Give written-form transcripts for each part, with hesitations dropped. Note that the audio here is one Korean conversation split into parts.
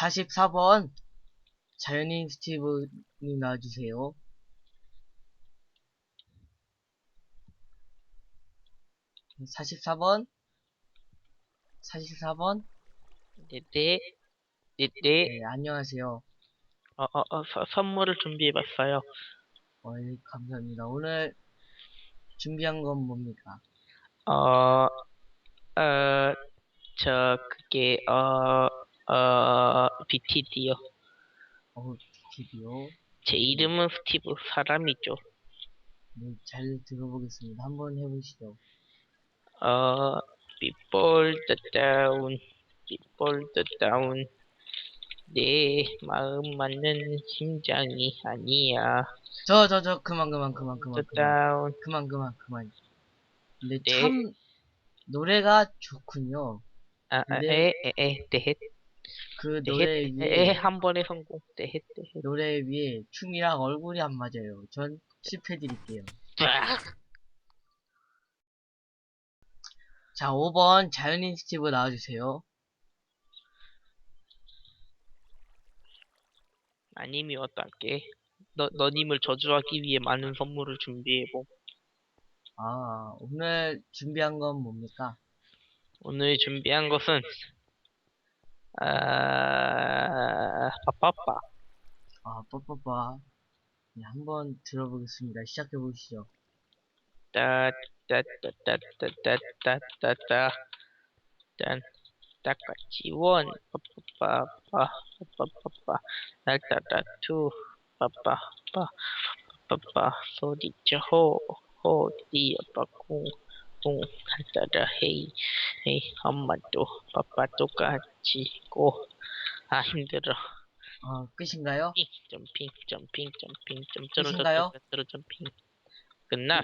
44번 자연인 스티브님 나와주세요. 44번 44번. 네네, 네네. 네, 안녕하세요. 선물을 준비해봤어요. 예, 감사합니다. 오늘 준비한 건 뭡니까? 어, 그게, BTD요. TV요. 제 이름은 스티브, 사람이죠. 네, 잘 들어보겠습니다. 한번 해보시죠. 어, Before the Down, Before the Down. 내 마음 맞는 심장이 아니야. 그만. The Down. 그만. 근데 네, 참 노래가 좋군요. 근데 네, 그 네, 노래 위에 한 번에 성공. 네. 춤이랑 얼굴이 안 맞아요. 전 실패 드릴게요. 자, 5번 자연인 스티브 나와주세요. 아님이 어떨게? 너님을 저주하기 위해 많은 선물을 준비해봄. 오늘 준비한 건 뭡니까? 오늘 준비한 것은, 빠빠빠. 빠빠빠. 네, 한번 들어보겠습니다. 시작해보시죠. 따, 따, 따, 따, 따, 따, 따, 따, 따, 딴, 따까지원, 빠빠빠, 빠빠빠, 날따따, 투, 빠빠빠, 빠빠, 소리쳐, 디어, 빠꿍, 꿍, 날따따, 헤이, 헤이, 엄마도, 빠빠도 같이, 고, 힘들어. 끝인가요? 점핑, 끝인가요? 점핑. 끝났어.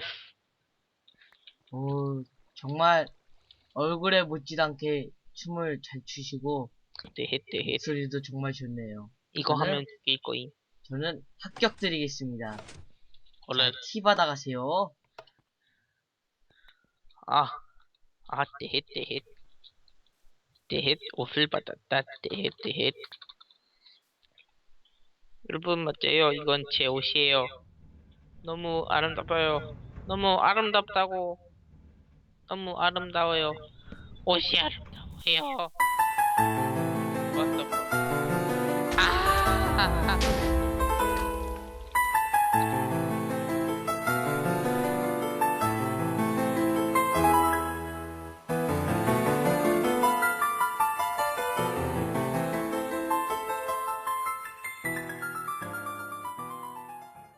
정말 얼굴에 묻지도 않게 춤을 잘 추시고 대헷. 목소리도 정말 좋네요. 이거 하면 죽일 거임. 저는 합격 드리겠습니다. 얼른. 자, 티 받아가세요. 대헷. 옷을 받았다. 대헷. 여러분, 맞아요. 이건 제 옷이에요. 너무 아름다워요. 너무 아름답다고. 너무 아름다워요. 옷이 아름다워요.